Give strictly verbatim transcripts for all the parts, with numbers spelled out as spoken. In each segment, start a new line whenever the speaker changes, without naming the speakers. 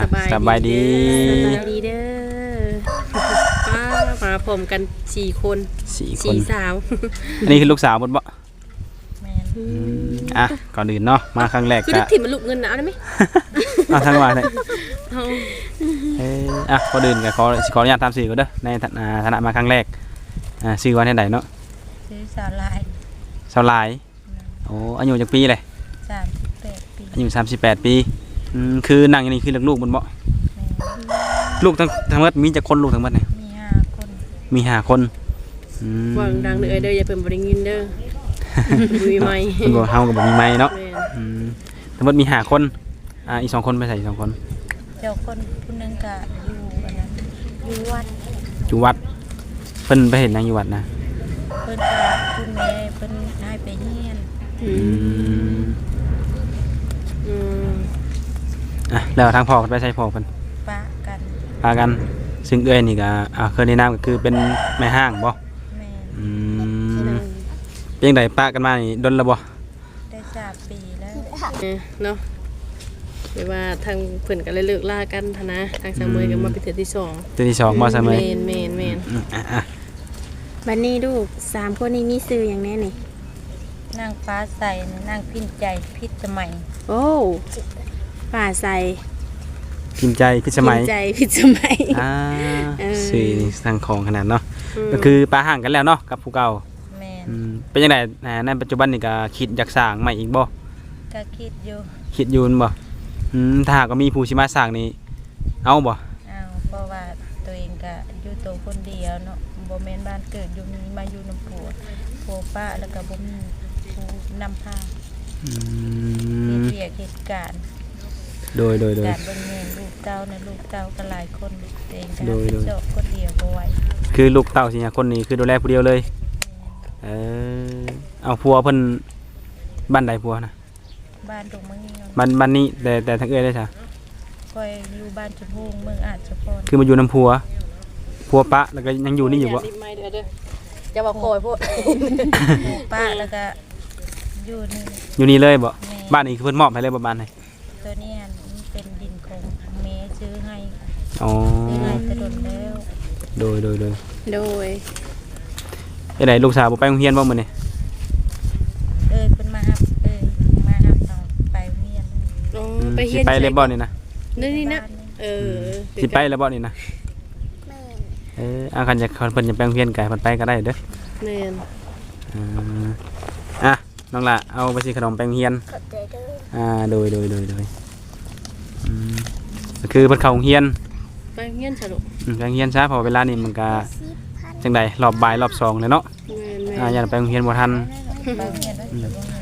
สบายดี
สบายดีเด้อป้ามาผมกันสี่คน
สี่คน
สาว
อันนี้คือลูกสาวหมดบ่
แม่น
อ่ะก่อนอื่นเนาะมาครั้งแรก
คือ
ก็
ได้ถิ่มมันลูกเงินนะเอาได้ไหม
เอาทั้งวันเลย
เอา
เอ้ยอ่ะก่อนอื่นก็ขอขออนุญาตตามสื่อก่อนเด้อในฐานะฐานะมาครั้งแรกอ่าชื่อว่าที่ใดเนาะ
ซื้อสาลาย
สาวหลายโอ้อายุจักปีเลย
สามสิบแปดปี
อายุสามสิบแปดปีอืมคือนั่งอยู่นี่คือลูกๆมันบ่
แม่น
ลูกทั้งทั้งหมดมีจักคนลูกทั้งหมดเนี่ย
มีห้าคน
มีห้าคนอืม
วางดังเด้อเด้ออย่าเพิ่นบ่ได้ยินเด้อมีไหม
เพิ่นบ่เฮาก็บ่มีไม้เนาะ
แม่น
อืมทั้งหมดมีห้าคนอ่าอีกสองคนไปใส่อีกสองคน
เจ้าคนผู้หนึงก็อยู่อันนั้นอยู่วัด
อยู่วัดเพิ่นไปเห็นนางอยู่วัดนะ
เพิ่นก็คุณแม่เพิ่นให้ไปเฮียน
อื
อื
ม
ม
อืม
อ่ะแล้วทางพ่อเพิ่นไปใส่พ่อเพิ่น
ปะกัน
พากันซึ่งเอ้ยนี่ก็อ่าเคยแนะนำก็คือเป็นแม่ห้างบ่
แม่น
อืมเป็นจังไดปะกันมานี่ดนแล้วบ่
ได้สามปีแล้ว
เออเนาะเดี๋ยวว่าทางเพิ่นก็เลยเลิกลากันหั้นนะทางสามมื้อก็มาเป็นเทื่อที่สอง
ตัวที่สองบ่ซะมื้อ
แม่นแม่นแม่น
อืมอ่ะอ่ะ
บัดนี้ลูกสามคนนี้มีซื้ออย่างแน่นี่
นางฟ้าใสนางพินใจพิษสมัย
โอ้ป่าใส
พิมพ์ใจพิสมัย
พิมพ์ใจพิสมัย
อ่า
เออ
สื่อนี่ทางของขนาดเนาะ
ม
ก็คือปะห่างกันแล้วเนาะกับผู้เก่า
แม่น
อืมเป็นจังไดอ่าในปัจจุบันนี่ก็คิดอยากสร้างใหม่อีกบ่
ก็คิดอยู่
คิดอยู่นั่นบ่อืมถ้าหากว่ามีผู้สิมาสร้างนี่เอาบ่
อ้าวเพราะว่าตัวเองก็อยู่ตัวคนเดียวเนาะบ่แม่นบ้านเกิดอยู่มีมาอยู่น้ำผัวผัวป้าแล้วก็บ่มีผู้นำพา
อื
เหตุ
ม
เวียกเหตุการณ์
โดยโดยโดย
การเบิ่งแม่นลูกเต้านะลูกเต้าก็หลายคนตัวเองก็
โดย
เป็น
โดย
เจ้าคนเดียวบ่ไหว
คือลูกเต้าสิเนี่ยคนนี้คือดูแลผู้เดียวเลย เออเอาผัวเพิ่นบ้านใดผัวนะ
บ้านตรงเมืองนี้เนาะ
บ้านบ้านนี้แต่แต่ทางเอ้ยได้จ้ะ
คอยอยู่บ้านชมพูเมืองอาจจะพร
คือมาอยู่น้ำผัวผัวปะแล้วก็ยังอยู่นี่อยู่บ่
รีบไม้เด้อเด้อจะบอกโคยพวก
หมู่ป้าแล้วก็อยู่นี่
อยู่นี่เลยบ่
แม่
บ้านนี้คือเพิ่นมอบให้เลยบ่บ้านไหน
ตัวเนี้ยมันเป็นดินของแม่ซื้อให้
อ๋อ
ซื้อให้แตะดนแล้ว
โดยโดยโดย
โดย
ไอ้ไหนลูกสาวบ่ไปโรงเรียนบ่มื้อนี้
เอ้ยเพิ่นมารับเอ้ยมารับเอาไปเรียน
อ๋อ
อืม
ไป
สิ
เฮียน
ไปเลยบ่นี่นะ
นี่นี่นะเออ
สิไปเลยบ่นี่นะเอออาคันจะเพิ่นจะไปโรงเรียนไกลเพิ่นไปก็ได้เด้อ
แม่น
อ่าอ่ะน้องละเอาไปสิขนมไปโรงเรียนอ่าโดยโดยโดยโดยอืมก็คือเพิ่นเข้าโรงเรียน
ไปเฮียนซะลูก
อืมไปโรงเรียนซะเพอเวลานี้มันก็จังไดรอบบ่ายรอบสองเลยเนาะ
แม่นแม่
อ่าน อย่าไปโรงเรียนบ่ทัน
ไปเรียนแล้วจะบ่มี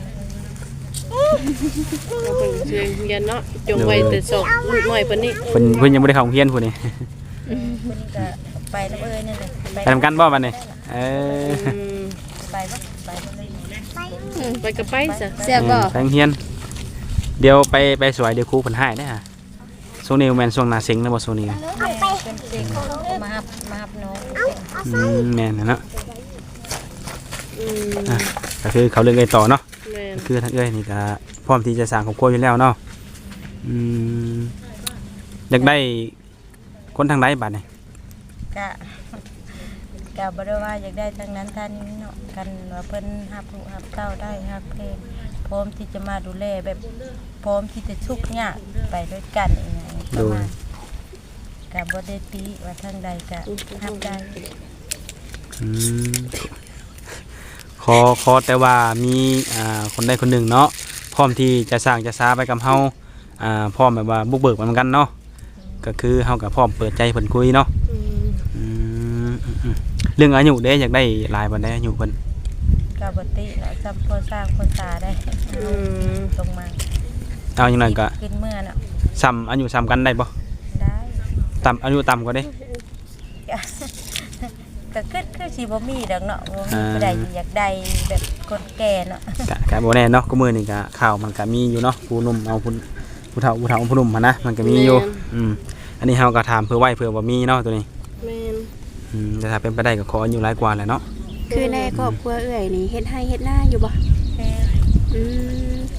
เราเป็นเชียงเฮียนเนาะจงไว้แต่สองลูกน้อยเพิ่นนี่
เพิ่นเพิ่นยังบ่ได้เข้าโรงเรียนพุ่นนี่
คนนี้ก็ไปแล้วเอ้ยนี่นแหละ
ไปทำกันบ่บัดนี้เออ
อืม
ไปบ่ไปบ่เลย
ไปกับไปซะ
เสียบบ่
ไปโรงเรียน เดี๋ยวไปไปสวยเดี๋ยวครูเพิ่นให้ได้อฮะช่วงนี้แม่นช่วงหน้าเซ็งแล้วบ่ช่วงนี้
แม่เป็นเด็กมาหับมาหับน้อง
อืมแม่นน่ะเนาะ
อืม
อ่ะก็คือเขาเรื่องไงต่อเนาะ
แม่น
คือทางเอ้ยนี่ก็พร้อมที่จะสร้างครอบครัวอยู่แล้วเนาะอืมอยากได้คนทางใดบัดนี่
กะกะบ่ได้ว่าอยากได้ทางนั้นทางนี้เนาะกันว่าเพิ่นหับลูกหับเต้าได้หับเพลงพร้อมที่จะมาดูแลแบบพร้อมที่จะทุกข์ยากไปด้วยกันอย่างเงี้ยประมาณกะบ่ได้ตีว่าทางใดกะหับได้
อืมขอขอแต่ว่ามีอ่าคนใดคนหนึ่งเนาะพร้อมที่จะสร้างจะสาไปกับเฮาอ่าพร้อมแบบว่าบุกเบิกเหมือนกันเนาะก็คือเฮากับพร้อมเปิดใจเพิ่นคุยเนาะ
อืม
อืมอืมอืมเรื่องอายุเด้อยากได้หลายบ่ได้อายุเพิ่น
กะบ่ติเนาะจำพอสร้างพอสาได้
อืม
ตรงมา
เอาอย่างนั้นก็
ขึ้นเมื่อเนาะ
ซ้ำอายุซ้ำกันได้บ่
ได้
ต่ำอายุต่ำกว่าเด้
ก็คือคือสิบ่มีดอกเนาะบ่มีผู้ใดอยากได้แบบคนแก่เนาะ
กะกะบ่แน่เนาะก็มื้อนี้ก็ข่าวมันก็มีอยู่เนาะผู้หนุ่มเอาผู้ผู้เฒ่าผู้เฒ่าผู้หนุ่มมานะมันก็มีอยู่อืมอันนี้เฮาก็ถามเพื่อไว้เผื่อว่ามีเนาะตัวนี้
แม่น
อืมแต่ถ้าเป็นไปได้ก็ขออายุหลายกว่าแหละเนาะ
คือในครอบครัวเอื้อยนี่เฮ็ดให้เฮ็ดหน้าอยู่บ่
แม่
อืม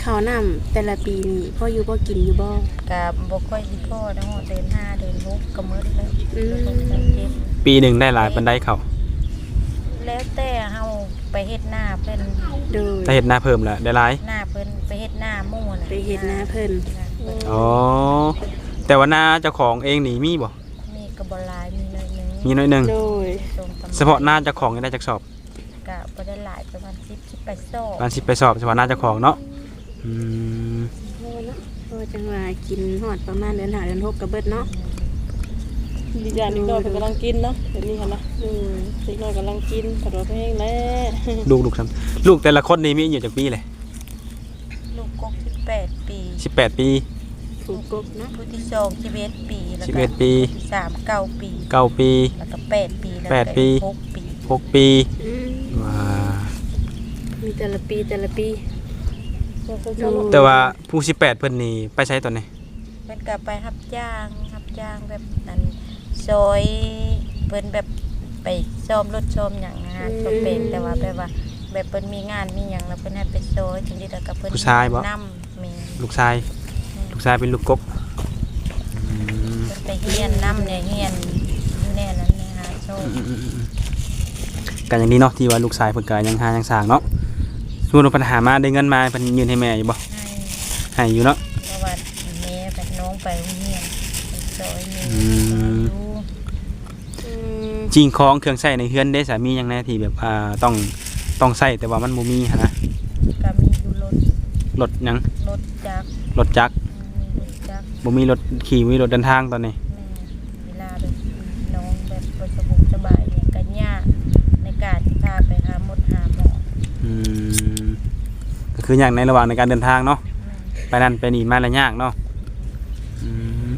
ข้าวน้ำแต่ละปีนี่พ่ออยู่บ่กินอยู่บ่
ก็บ่ค่อยสิพอเนาะเดือนห้าเดือนหกก็หมดแล้ว
อืม
เดือนหกเดือนเจ็ด
ปีหนึ่งได้หลายปานใดเขา
แล้วแต่เฮาไปเฮ็ดหน้าเพิ่น
โดย
ถ้าเฮ็ดหน้าเพิ่มแล้วได้หลาย
หน้าเพิ่นไปเฮ็ดหน้าหมู่น่ะ
ไปเฮ็ดนาเพิ่น
อ๋อแต่ว่าหน้าเจ้าของเองนี่มีบ่
มีก็บ่หลายมีน้อยหนึง
มีน้อยหนึง
โดย
ตรงตำ
เฉพาะหน้าเจ้าของนี่ได้จักสอบ
ก็บ่ได้หลายประมาณสิบ สิบไปโซ่
การสิไปสอบเฉพาะหน้าเจ้าของเนาะอืม
โอ้เนาะโอ้จังว่ากินฮอดประมาณเดือนห้าเดือนหกก็เบิดเนาะ
ดีอย่างนี้ก็เพิ่นกำลังกินเนาะเดี๋ยวนี้หั่นนะ
โดย
เด็กน้อยกำลังกินผัดว่าเพลงแล้ว
ลูกลูกซ้ำลูกแต่ละคนนี่มีอายุจักปีเลย
ลูกกกสิบแปดปี
สิบแปดปี
ถูกกบเนาะ
ผู้ที่สองสิบเอ็ดปีแล้ว
สิบ
ก็
เอ็ดปี
ผู้ที่สามเก้าปี
เก้าปี
แล้วก็แปดปีแล้ว
แปด
ก็
ปี
หกปี
หกปี
อืม
ว้า
มีแต่ละปีแต่ละปี
แต่ว่าผู้สิบแปดเพิ่นนี่ไปใช้ตอนนี้
เพิ่นก็ไปรับจ้างรับจ้างแบบนั้นซอยเพิ่นแบบไปซ่อมรถซ่อมหยังงานบ่เป็นแต่ว่าแบบว่าแบบเพิ่นมีงานมีหยังแล้วเพิ่นให้ไปซอยจังซี่แล้วก็เพิ่น
ผู้ชายบ่
นำแม่
ลูกชายลูกชายเป็นลูกกบอืม
เพิ่นไปเฮียนนำเนี่ยเฮียนอยู่แน่นั้นเนี่ยหาโชค
กันอย่างนี้เนาะที่ว่าลูกชายเพิ่นก็ยังหายังสร้างเนาะสมมุติว่าปัญหามาได้เงินมาเพิ่นยืนให้แม่อยู่บ่
ให้
ให้อยู่เนาะ
เพราะว่าแม่กับน้องไปโรงเรียนไปซอยแม่
อืม
อยู่
อืม
จริงของเครื่องใช้ในเฮือนได้สามีหยังแน่ที่แบบอ่าต้องต้องใช้แต่ว่ามันบ่มีหันนะ
ก็มีอยู่รถ
รถหยัง
รถจักร
รถจักร
มีรถจักร
บ่มีรถขี่บ่มีรถเดินทางตอนนี้
แม่เวลาแบบน้องแบบบ่สะบุกสบายเนี่ยก็ยากในการที่พาไปหาหมดหาหมอ
อืมก็คืออย่างในระหว่างในการเดินทางเนาะ
แม่
ไปนั่นไปนี่มาแล้วยากเนาะอืม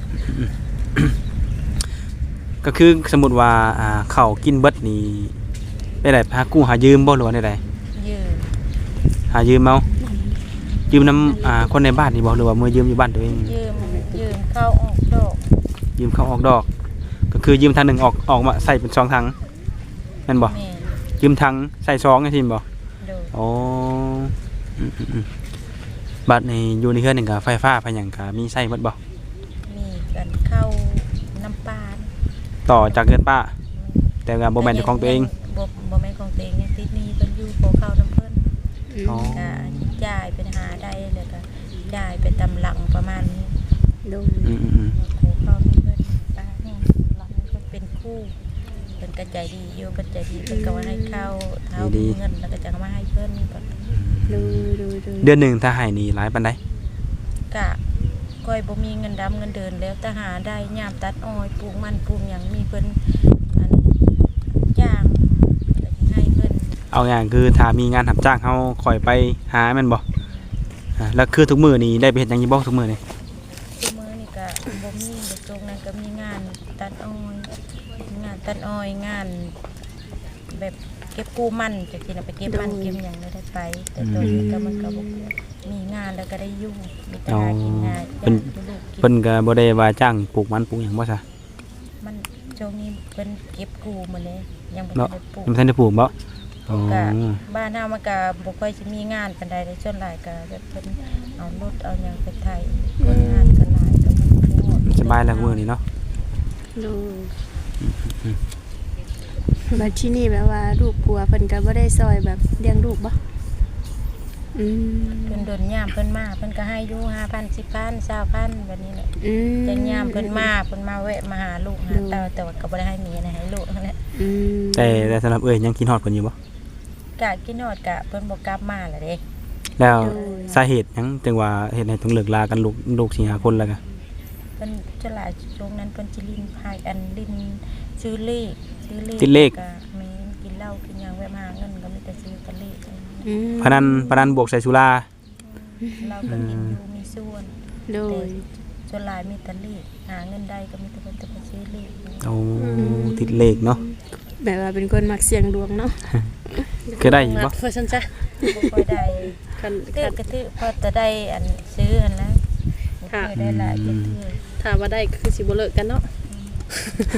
ก็คือสมมุติว่าอ่าข้าวกินเบิดนี่ได้ได้หากู้หายืมบ่หรือว่าได้ได
ยืม
หายืมเอายืมน้ำอ่าคนในบ้านนี่บ่หรือว่ามือยืมอยู่บ้านตัวเอง
ยืมยืมเข้าออกดอก
ยืมเขาออกดอก ก็คือยืมทางหนึ่งออกออกมาใส่เป็นสองทางนั่นบ่
แม่
ยืมทางใส่ซองไอ้ทีมบ่
โดย
อ๋ออืมอืมอืมบัดในอยู่ในเฮือนนี่ก็ไฟฟ้าไฟหยังก็มีใช้เบิดบ่
มีกันเข้าน้ำปาน
ต่อจากเฮือนป้า แต่ก็บ่แม่นเจ้าของตัวเอง
บ่บ่แม่นของตัวเองยังติดหนี้เพิ่นอยู่ขอเข้าน้ำเพิ่น
อ๋อ
ก็จ่ายเป็นหาได้แล้วก็จ่ายไปตำหลังประมาณนี้
โดย
อืมอืมอืม
ขอเข้าน้ำเพิ่นป้านี่หลังเพิ่นเป็นคู่เพิ่นก็ใจดีอยู่เพิ่นใจดีเพิ่นก็ว่าให้เข้าเท่ามีเงินแล้วก็จะเอามาให้เพิ่นเพิ่น
โดยโดยโดย
เดือนหนึ่งถ้าให้นี่หลายปานใด
กะก้อยบ่มีเงินดำเงินเดินแล้วแต่หาได้ยามตัดอ้อยปลูกมันปลูกหยังมีเพิ่นอันจ้างก็สิให้เพิ่น
เอาอย่างคือถ้ามีงานรับจ้างเฮาคอยไปหาแม่นบ่อ่าแล้วคือทุกมื้อนี่ได้ไปเฮ็ดหยังอยู่บ่ทุกมื้อนี่
ทุกมื้อนี่ก็บ่มีเดี๋ยวตรงนั้นก็มีงานตัดอ้อยงานตัดอ้อยงาน แบบเก็บกู้มันจังซี่น่ะไปเก็บมันเก็บหยังได้ไป แต่ตอนนี้ก็มันก็บ่มีงานแล้วก็ได้อยู่มีแต่หากินง่าย
เพิ่น
จ้างลูกกิน
เพิ่นก็บ่ได้ว่าจ้างปลูกมันปลูกหยังบ่ซะ
มันช่วงนี้เพิ่นเก็บกู้หมดเลยยังบ่
เนาะ
ได้ปลูก
ยังบ่ทันได้ปลูกบ่อ๋อ
ก็บ้านเฮามันก็บ่ค่อยสิมีงานปานใดเลยส่วนหลายก็แบบเพิ่นเอารถเอาหยังไปไถคนงานก็หลายก็มันโคตร
สบายแล้วมื้อนี้เนาะ
โดยบัดที่นี่แบบว่าลูกกลัวเพิ่นก็บ่ได้ซอยแบบเลี้ยงลูกบ่อืม
เพิ่นโดนยามเพิ่นมาเพิ่นก็ให้อยู่ ห้าพัน สิบพัน ยี่สิบพันแบบนี้แหละ
อืม
แต่ยามเพิ่นมาเพิ่นมาแวะมาหาลูกหาเต้าแต่ว่าก็บ่ได้ให้เมียนะให้ลูกนั่นแหละ
อืม
แต่แต่สำหรับเอ้ยยังกินฮอดเพิ่นอยู่บ่
กะกินฮอดกะเพิ่นบ่กลับมาล่ะเด้
แล้วสาเหตุหยังจึงว่าเฮ็ดให้ต้องเลิกลากันลูกลูกสี่ห้าคนแล้วก็
เพิ่นฉลาดช่วงนั้นเพิ่นสิลิ้นพายอันลิ้นซื้อเลขซื้อเลข
ติดเลข
ก็แม่นกินเหล้ากินหยังแวะมาหาเงินก็มีแต่ซื้อแตะเลข
อืม
พนันพนันบวกใส่สุรา
เราก็กินอยู่มีส่วน
โด
แต่
ย
ส่วนหลายมีแตะเลขหาเงินได้ก็มีแต่เพิ่นจะไปซื้อเลข
โอ้ติดเลขเนาะ
แบบว่าเป็นคนมักเสี่ยงดวงเนาะ
เคยได้อยู่บ่
เพื่อฉันจ้ะ
บ่ค่อยได้
คัน
ตื้
คั
อน กระตื้อพอจะได้อันซื้ออันแล้วบ่เคยได้หลายจะตื้อ
ถ้าว่าได้ก็คือสิบ่เลิกกันเนาะ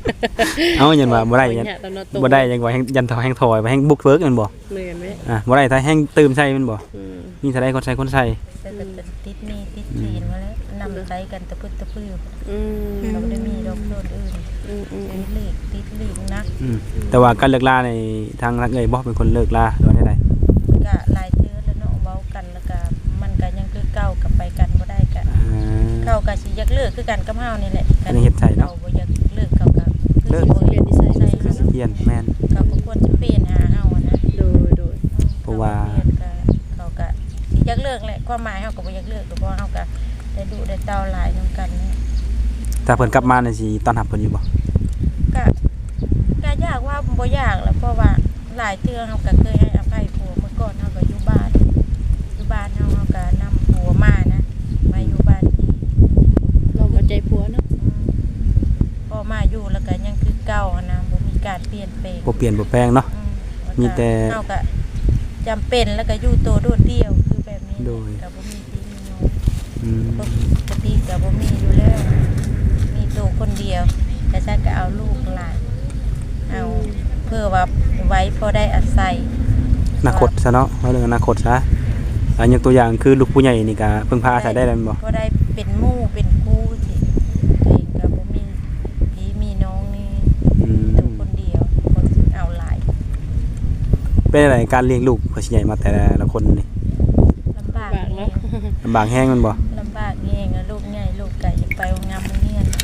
เอายันว่าบ่ได้ยัน
ตอนนอนตก
บ่ได้ยังว่าแฮงยันถอยแฮงถอยไปแฮงบุกเบิกแมันบ่
เหมือนไหม
อ่ะบ่ได้ถ้าแฮงตื่มใส่แมันบ่
อืม
มีเท่าใดคนใส่คนใส่
แต่ก็จะติดหนี้ติดจีนมาแล้วนำใช้กันตะพึดตะพื้อ
อืม
เราไม่ได้มีดอกโซนอื่น
อืมอืม
ติดลีกติดลีกนัก
อืมแต่ว่าการเลิกลาในทางรักเอ่ยบ่เป็นคนเลิกลาหรือว่าได
ก็หลายเทื่อแล้วเนาะเว้ากันแล้วก็มันก็ยังคือเก่ากับไปกันบ่ได้กัน
อ่า
เขาก็สิอยากเลิกคือกันกับเฮานี่แหละ
อันนี้เฮ็ดใจเนาะ
เขาบ่อยากเลิกเขาก็คือ
เลิก
สิบ่เปลี่ยนนิสัยใส่
คือสิเปลี่ยนแม่น
เขาก็ควรสิเปลี่ยนหาเฮาอะนะ
โดยโดย
เพราะว่า
เขก็เขาก็สิอยากเลิกแหละความหมายเฮาก็บ่อยากเลิกเพราะว่าเฮาก็ได้ดูได้เต้าหลายนํกันเนี่ย
ถ้าเพิ่นกลับมานี่สิต้อนรับเพิ่นอยู่บ่
ก็ก็ยากว่าบ่ยากแหล้วเพราะว่าหลายเทื่อเฮาก็เคยให้อภัยผัวเมื่อก่อนเฮาก็อยู่บ้านอยู่บ้านเฮาเฮาก็นำผัวมานะมาอยู่บ้านอีก
เรามาใจผัวเนาะ
อืมพอมาอยู่แล้วก็ยังคือเก่าอะนะบ่มีการเปลี่ยนแปลง
บ่เปลี่ยนบ่แปลงเนาะ
อืล้วก็
มีแต่
เฮาก็จำเป็นแล้วก็อยู่ตัวโดดเดี่ยวคือแบบนี้
โดย
ก็บ่มีพี่มีน้อง
อืม
ปกติก็บ่มีอยู่แล้ว มีตัวคนเดียวแต่ฉันก็เอาลูกหลานเอาเพื่อว่าไว้พอได้อาศัย
อนาคตซะเนาะเอาเรื่องอนาคตซะอันยกตัวอย่างคือลูกผู้ใหญ่นี่ก็เพิ่งพาอาศัยได้แล้วแม่นบ่
พอได้เป็นหมู่เป็นคู่สิตัวเองก็บ่มีพี่มีน้องนี่
อืม
ตัวคนเดียวคนสิเอาหลาย
เป็นอะไรการเลี้ยงลูกเพิ่นสิใหญ่มาแต่ละคนนี่
ลำบาก
บาก
แฮ
เนาะ
ง
ลำบากแฮงแม่นบ่
ลำบากแฮงอะลูกใหญ่ลูกไก่ไปโรงงานโรงเรียน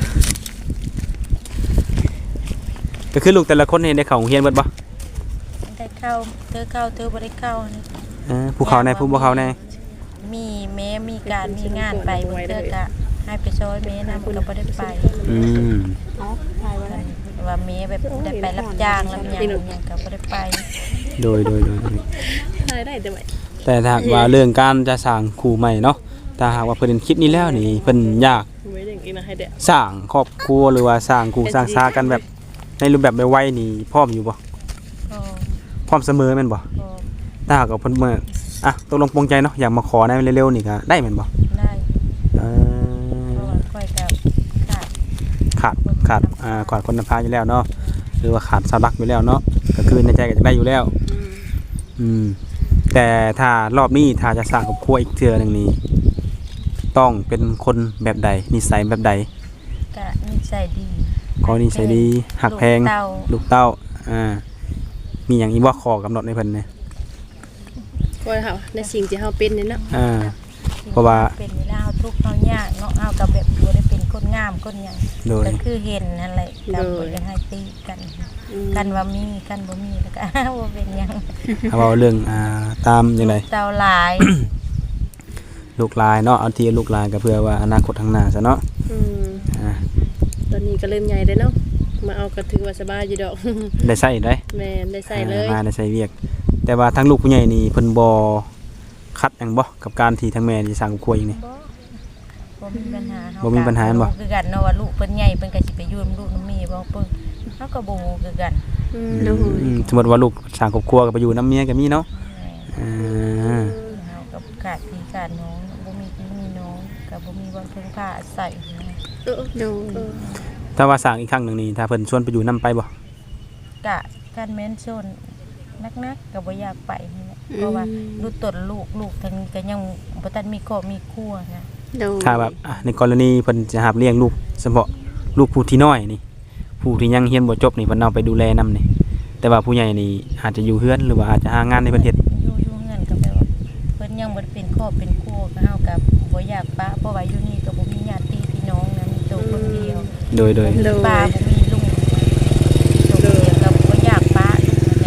ก็คือลูกแต่ละคนนี่ได้เข้าโรงเรียนเบิดบ่
ได้เข้าเธอเข้าเธอบ่ได้เข้านี่
เออผู้เขาแน่ผู้บ่เขาแน่
มีแม้มีการมีงานไปเพื่อกะให้ไปช่วยแม่นะมันก็บ่ได้ไป
อืม
อ๋อถ่ายไว้
ว่าแม่แบบได้ไปรับจ้างรับหยังหยังก็บ่ได้ไป
โดยโดยโดย
ถ่ายได้แต่ว่า
แต่ถ้าหากว่าเรื่องการจะสร้างคู่ใหม่เนาะถ้าหากว่าเพิ่นคิดนี้แล้วนี่เพิ่นอยาก
ไว้อย่างนี้นะให้เด็ก
สร้างครอบครัวหรือว่าสร้างคู่สร้างซากันแบบในรูปแบบไวๆนี่พร้อมอยู่บ่
ก็
พร้อมเสมอแม่นบ่
ก็
ถ้าหากว่าเพิ่นเมื่ออ่ะตกลงปลงใจเนาะอยากมาขอในเร็วๆนี่ก็ได้แม่นบ่
ได้
เอ
เพราะ
อ
ว่าค่อยกับขาด
ขาดขาดอ่าขาดคนนำพาอยู่แล้วเนาะหรือว่าขาดสาวรักอยู่แล้วเนาะก็คือในใจก็จะได้อยู่แล้ว
อืม
อืมแต่ถ้ารอบนี้ถ้าจะสร้างครอบครัวอีกเทื่อหนึงนี่ต้องเป็นคนแบบใดนิสัยแบบใด
กะนิสัยดี
ขอนิสัยดีหักแพง
ลูเต้า
ลูกเต้าอ่ามีหยังอีกบ่ขอกำหนดในเพิ่นเนี่ย
ก็ค่ะในสิ่งที่เฮาเป็นนี่เนาะ
อ่า เพราะว่า
เป็นเวลาเฮาทุกข์เฮายากเนาะเฮาก็แบบบ่ได้เป็นคนงามคนหยัง
โดย
ก็คือเห็นนั่นแหละก็บ่ได้ให้ตีกัน
อืม
กันว่ามีกันบ่มีแล้วก็ บ่เป็นหยัง
เอาเว้าเรื่องอ่าตามจังได
เต้าหลาย
ลูกหลายเนาะเอาที่ลูกหลายก็เพื่อว่าอนาคตข้างหน้าซะเนาะ
อืม
อ่า
ตอนนี้ก็เริ่มใหญ่ได้เนาะมาเอาก็ถือว่าสบายอยู่ดอก
ได้ใช้ได้
แม่นได้ใส่เลย
อ่ามาได้ใช้เวียก แต่ว่าทั้งลูกผู้ใหญ่นี่เพิ่นบ่คัดหยังบ่กับการที่ทั้งแม่สิสร้างครอบครัวอย่างนี้
บ่บ่มีปัญหาเฮา
บ่มีปัญหาบ่
คือกันเนาะว่าลูกเพิ่นใหญ่เพิ่นก็สิไปอยู่นำลูกนำแม่บ่เพิ่นเฮาก็บ่ฮู้คือกัน
อืม
โดย
อืมสมมุติว่าลูกสร้างครอบครัวก็ไปอยู่นํเมียก็มีเนาะ
แม่
อ่า
เฮาก็ขาดพี่ขาดน้องบ่มีพี่มีน้องก็บ่มีบ่พึ่งพาอาศัยนะ
เออ
โดย
เออ
ถ้าว่าสร้างอีกครั้งหนึงนี่ถ้าเพิ่นชวนไปอยู่นํไปบ่
กะการแม่นชนนักๆก็บ่อยากไปนี่แหละเพราะว่าลูกตนลูกลูกทางนี้ก็ยังบ่ทันมีครอบมีครัวนะ
โดย
ถ้าแบบอ่ะในกรณีเพิ่นจะหับเลี้ยงลูกเฉพาะลูกผู้ที่น้อยนี่ผู้ที่ยังเรียนบ่จบนี่เพิ่นเอาไปดูแลนํนี่แต่ว่าผู้ใหญ่นี่อาจจะอยู่เฮือนหรือว่าอาจจะหางานในประเทศ
อยู่อยู่เงินก็แปลว่าเพิ่นยังบ่ได้เป็นครอบเป็นครัวก็เฮาก็บ่อยากปะเพราะว่าอยู่นี่ก็บ่มีญาติพี่น้องนะมีตัวคนเดียว
โดยโดย
บ่มีป้าบ่มีลุงตัวเดียวก็บ่อยากปะลูกนั่นแหละ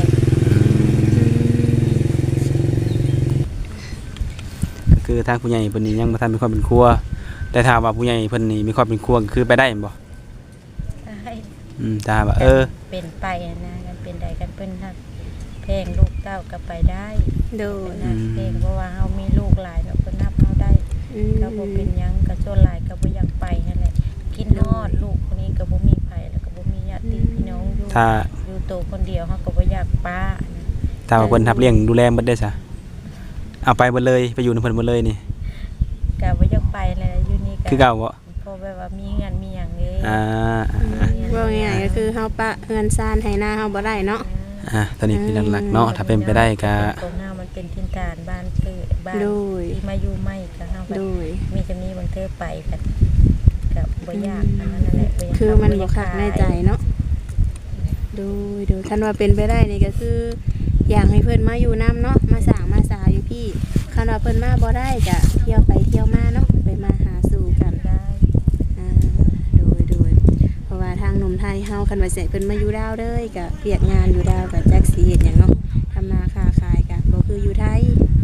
ก็คือทางผู้ใหญ่เพิ่นนี่ยังบ่ทันมีความเป็นครัวแต่ถ้าว่าผู้ใหญ่เพิ่นนี่มีความเป็นครัวก็คือไปได้แม่นบ่
ให้
อืมถ้าว่าเออ
เป็นไปอะนะกันเป็นใดกันเพิ่นฮักแพงลูกเต้าก็ไปได้
โดย
นะเพลงเพราะว่าเฮามีลูกหลายเนาะเพิ่นนับเฮาได้
อืม
ก็บ่เป็นหยังก็ส่วนหลายก็บ่อยากไปนั่นแหละกินฮอดลูกคนนี้ก็บ่มีไผแล้วก็บ่มีญาติพี่น้องอยู่
ถ้า
อยู่โตวคนเดียวเฮาก็บ่อยากป้านะ
ถ้าว่าเพิ่นรับเลี้ยงดูแลเบิดได้ซะเอาไปเบิดเลยไปอยู่นำเพิ่นเบิดเลยนี่
ก็บ่อยากไปเลยอยู่นี่ก็
คือเก่าบ่
เพราะแบบว่ามีงานมีหยังเลย
อ่า
มีงาน
ว่าง่ายๆก็คือเฮาปะเฮือนซ่านให้หน้าเฮาบ่ได้เนาะ
อ่ะตอนนี้คือหลักๆเนาะถ้าเป็นไปได้ก็
ของเฮามันเป็นทินฐานบ้านเกิดบ้าน
โดย
ที่มาอยู่ใหม่ก็เฮาก็
โดย
มีจะมีบางเทอไปกันกับบ่ยากอันนั้นแหละบ่ยาก
คือมันบ่คักในใจเนาะโดยโดยคันว่าเป็นไปได้นี่ก็คือ อยากให้เพิ่นมาอยู่นํเนาะมาสร้างมาสาอยู่พี่คันว่าเพิ่นมาบ่ได้ก็เที่ยวไปเที่ยวมาเนาะไปมาหาสู่กัน
ได้
อ่าโดยโดยเพราะว่าทางหนุ่มไทยเฮาคันว่าสิให้เพิ่นมาอยู่ดาวเลยก็เวียกงานอยู่ดาวก็จักสิเฮ็ดหยังเนาะทำนาค้าขายก็บ่คืออยู่ไทย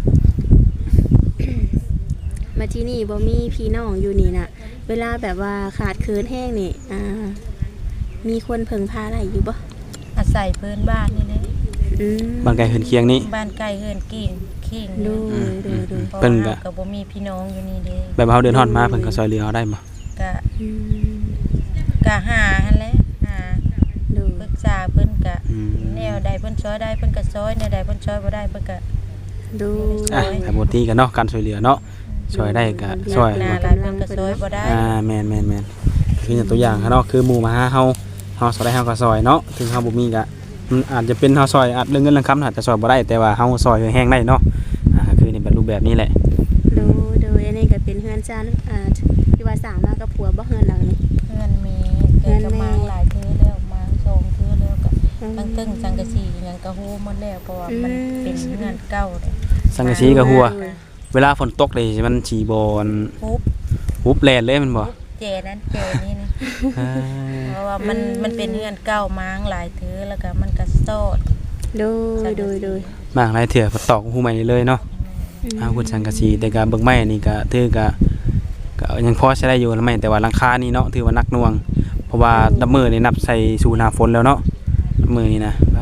มาที่นี่บ่มีพี่น้องอยู่นี่น่ะ เวลาแบบว่าขาดเคินแห้งนี่อ่ามีคนเพิ่งพาได้อยู่บ่
อาศัยเพิ่นบ้านนี่แหละ
อืม
บ้านไกลเฮือนเคียงนี่
บ้านใกล้เฮือนกิ่งขิง
โดยโดยโดย
เพราะ
เพิ่น
ว่า
ก็
ก็บ่มีพี่น้องอยู่นี่เด้
แบบว่าเฮาเดินฮอดมาเพิ่นก็ซอยเหลือเอาได้บ่
ก็
อืม
ก็หาหั่นแหละหา
โดย
ปรึกษาเพิ่นก็
อืม
แนวใดเพิ่นช่วยได้เพิ่นก็ช่วยแนวใดเพิ่นช่วยบ่ได้เพิ่นก็
โดย
อ่ะแต่บ่ตีกันเนาะการช่วยเหลือเนาะช่วยได้ก็ช่วย
หน้าหลายเพิ่นก็ช่วยบ่ได้
อ่าแม่นแม่นแม่นคืออย่างตัวอย่างเนาะคือหมู่มาหาเฮาเฮาซอยได้เฮาก็ซอยเนาะถึงเฮาบ่มีก็มันอาจจะเป็นเฮาซอยอาจเรื่องเงินเรื่องคำอาจจะซอยบ่ได้แต่ว่าเฮาซอยแห้งได้เนาะอ่าคือนี่เป็นรูปแบบนี้แหละ
โดยโดยอันนี้ก็เป็นเฮือนจานอ่าที่ว่าสร้างมากับผัวบ่เฮือนหลังนี้
เพื่อนมีแกก็มาหลายเทื่อแล้วมาสองเทื่อแล้วก็ตั้งตึ้งสังกะสีหยังก็ฮู้หมดแล้วเพราะว่ามันเป็นเงินเก่าเลย
สังกะสีก็หัว เวลาฝนตกเลยมันสิบ่อน
ปุ๊บ
ฮุบแล่นเลยมันบ่
เจนั้นเจนี่นะ
อ่า
เพราะว่ามันมันเป็นเงินเก่ามาหลายเทื่อแล้วก็มันก็โซด
โดยโดยโดย
มากหลายเถื่อฝนตกฮู้ใหม่เลยเนาะอ้าวคุณสังกะสีแต่ก็เบิ่งไม้นี่ก็ถือก็ก็ยังพอใช้ได้อยู่แล้วไหมแต่ว่าราคานี่เนาะถือว่านักหน่วง เพราะว่าดับมือนี่นับใส่สู่หน้าฝนแล้วเนาะดับมือนี่นะว้า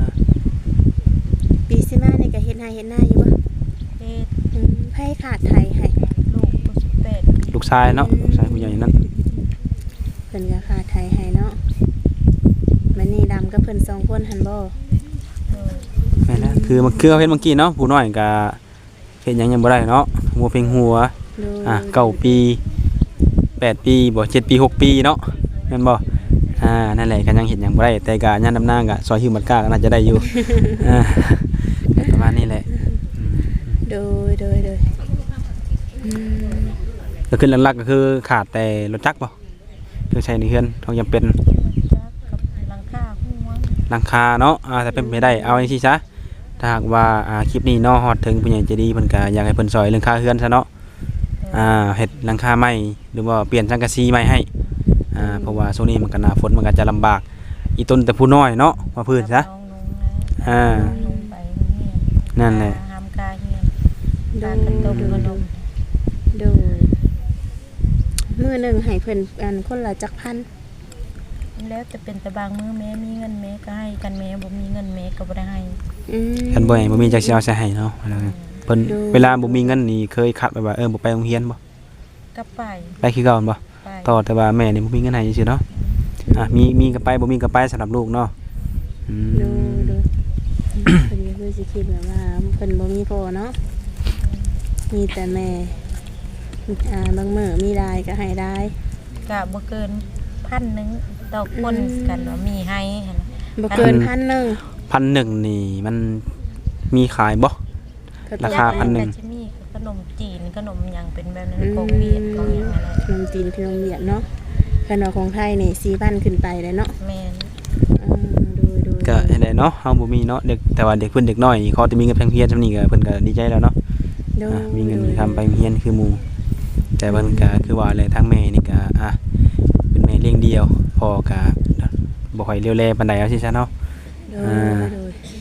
ปีสิมานี่ก็เฮ็ดนาเฮ็ดนาอยู่บ่
เฮ็ด
อืมไผขาดไทยให้
ลูกผู้สิบแปด
ลูกชายเนาะลูกชายผู้ใหญ่นั่น
เพิ่นก็ขาดไทยให้เนาะมันนี่ดำกับเพิ่นสองคนหันบ่
เออ
แม่นแล้วคือมันคือเอาเฮ็ดเมื่อกี้เนาะผู้น้อยก็เฮ็ดหยังยังบ่ได้เนาะหัวเพ่งหัว
โดย
อ่ะเก้าปีแปดปีบ่เจ็ดปีหกปีเนาะแม่นบ่อ่านั่นแหละก็ยังเฮ็ดหยังบ่ได้แต่ก็ยามดำนาก็ซอยหิวบัดกล้าก็น่าจะได้อยู่ อ่าก็ประมาณนี้แหละอืม
โดยโดยโดยอืม
ก็คือหลักๆก็คือขาดแต่รถจักรบ่คือใช้ในเฮือนเขายังเป็น
จักกับหลังคาหัว
หลังคาเนาะอ่าถ้าเป็นไปได้เอาจังซี่ซะถ้าหากว่าอ่าคลิปนี้เนาะฮอดถึงผู้ใหญ่ใจดีเพิ่นก็อยากให้เพิ่นซอยเรื่องค่าเฮือนซะเนาะอ่าเฮ็ดหลังคาใหม่หรือว่าเปลี่ยนสังกะสีใหม่ให้อ่าเพราะว่าช่วงนี้มันก็หน้าฝนมันก็จะลำบากอีต้นแต่ผู้น้อยเนาะว่าพื้นซะ
น้องนุ่งนะ
อ่า
นุ่งไปเฮีย
นั่นแหละ
หามกาเฮียน
โด
กาย กันต้มขนม
โดยมื้อหนึงให้เพิ่นอันคนละจักพัน
แล้วจะเป็นแต่บางมื้อแม่มีเงินแม่ก็ให้กันแม่บ่มีเงินแม่ก็บ่ได้ให้
อืม
คันบ่ให้บ่มีจักสิเอาใส่ให้เนาะเพิ่น
ดู
เวลาบ่มีเงินนี่เคยคัดไว้ว่าเออบ่ไปโรงเรียนบ่
ก็ไป
ไปคือเก่าบ่
ไป
ต่อแต่ว่าแม่นี่บ่มีเงินให้ซื่อๆเนาะอ่ะมีมีก็ไปบ่มีก็ไปสำหรับลูกเนาะอืม
ดูดูเพิ่นก็คือสิคิดแบบว่าเพิ่นบ่มีพ่อเนาะมีแต่แม่อ่าบางมื้อมีรายก็ให้ได้
ก็บ่เกินพันหนึงต่อคน
อืม
กันว่ามีให้หั่นน่ะ
บ่เกินพันหนึง
พันหนึ่งนี่มันมีขายบ่
ก็
ราคาพันหนึ่ง
แต่จะมีขนมจีนขนมหยังเป็นแบบนั้นของเวียดของหยังอะไร
ขนมจีนขนมเวียดเนาะขนมของไทยนี่สี่พันขึ้นไปเลยเนาะ
แม่น
อ่าดูดู
ก็ให้ได้เนาะเฮาบ่มีเนาะเด็กแต่ว่าเด็กเพิ่นเด็กน้อยเขาจะมีเงินเพียงเพียรซำนี้ก็เพิ่นก็ดีใจแล้วเนาะ
ดู
อ่ะมีเงินมีคำไปเฮียนคือหมู่แต่เพิ่นก็คือว่าแหละทางแม่นี่ก็อ่ะเป็นแม่เลี้ยงเดียวพ่อก็บ่ค่อยเลี้ยวแลปานใดเอาสิซะเนาะ
ดู
อ่า
ดู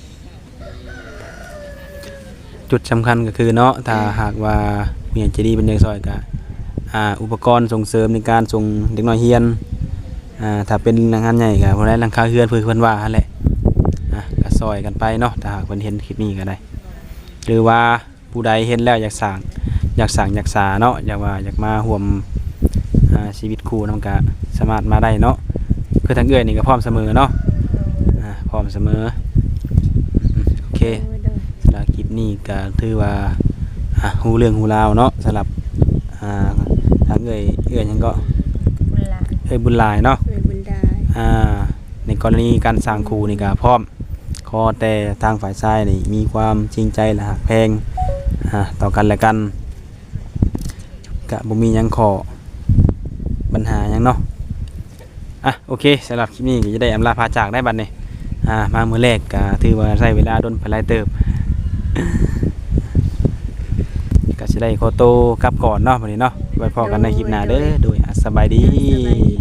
จุดสำคัญก็คือเนาะถ้าหากว่าผู้ใหญ่ใจดีเป็นเด็กซอยก็อ่าอุปกรณ์ส่งเสริมในการส่งเด็กน้อยเรียนอ่าถ้าเป็นงานใหญ่ก็บ่ได้หลังคาเรือนเพิ่นเพิ่นว่าหั่นแหละอ่ะก็ซอยกันไปเนาะถ้าหากเพิ่นเห็นคลิปนี้ก็ได้ หรือว่าผู้ใดเห็นแล้วอยากสร้างอยากสร้างอยากสาเนาะอยากว่าอยากมาร่วมอ่าชีวิตคู่นำก็สามารถมาได้เนาะคือทางเอื้อยนี่ก็พร้อมเสมอเนาะอ่าพร้อมเสมออืมโอเค
ดู
สำหรับคลิปนี้ก็ถือว่าอ่ะฮู้เรื่องฮู้ราวเนาะสำหรับอ่าทางเอื้อยเอื้อยหยังก็
บุญหลาน
เอื้อยบุญหลายเนาะ
เวรบุญได้
ออ่าในกรณีการสร้างคู่นี่ก็พร้อมขอแต่ทางฝ่ายชายนี่มีความจริงใจและหักแพงอ่าต่อกันและกันก็บ่มีหยังขอปัญหาหยังเนาะอ่ะโอเคสำหรับคลิปนี้ก็จะได้อำลาพาจากได้บัดนี้อ่ามามื้อแรกก็ถือว่าใช้เวลาดนไปหลายเติบ ก็สิได้ขอโตวกลับก่อนเนาะบัดนี้เนาะไว้พอกันในคลิปหน้าเด้อโดยอ่ะสบายดี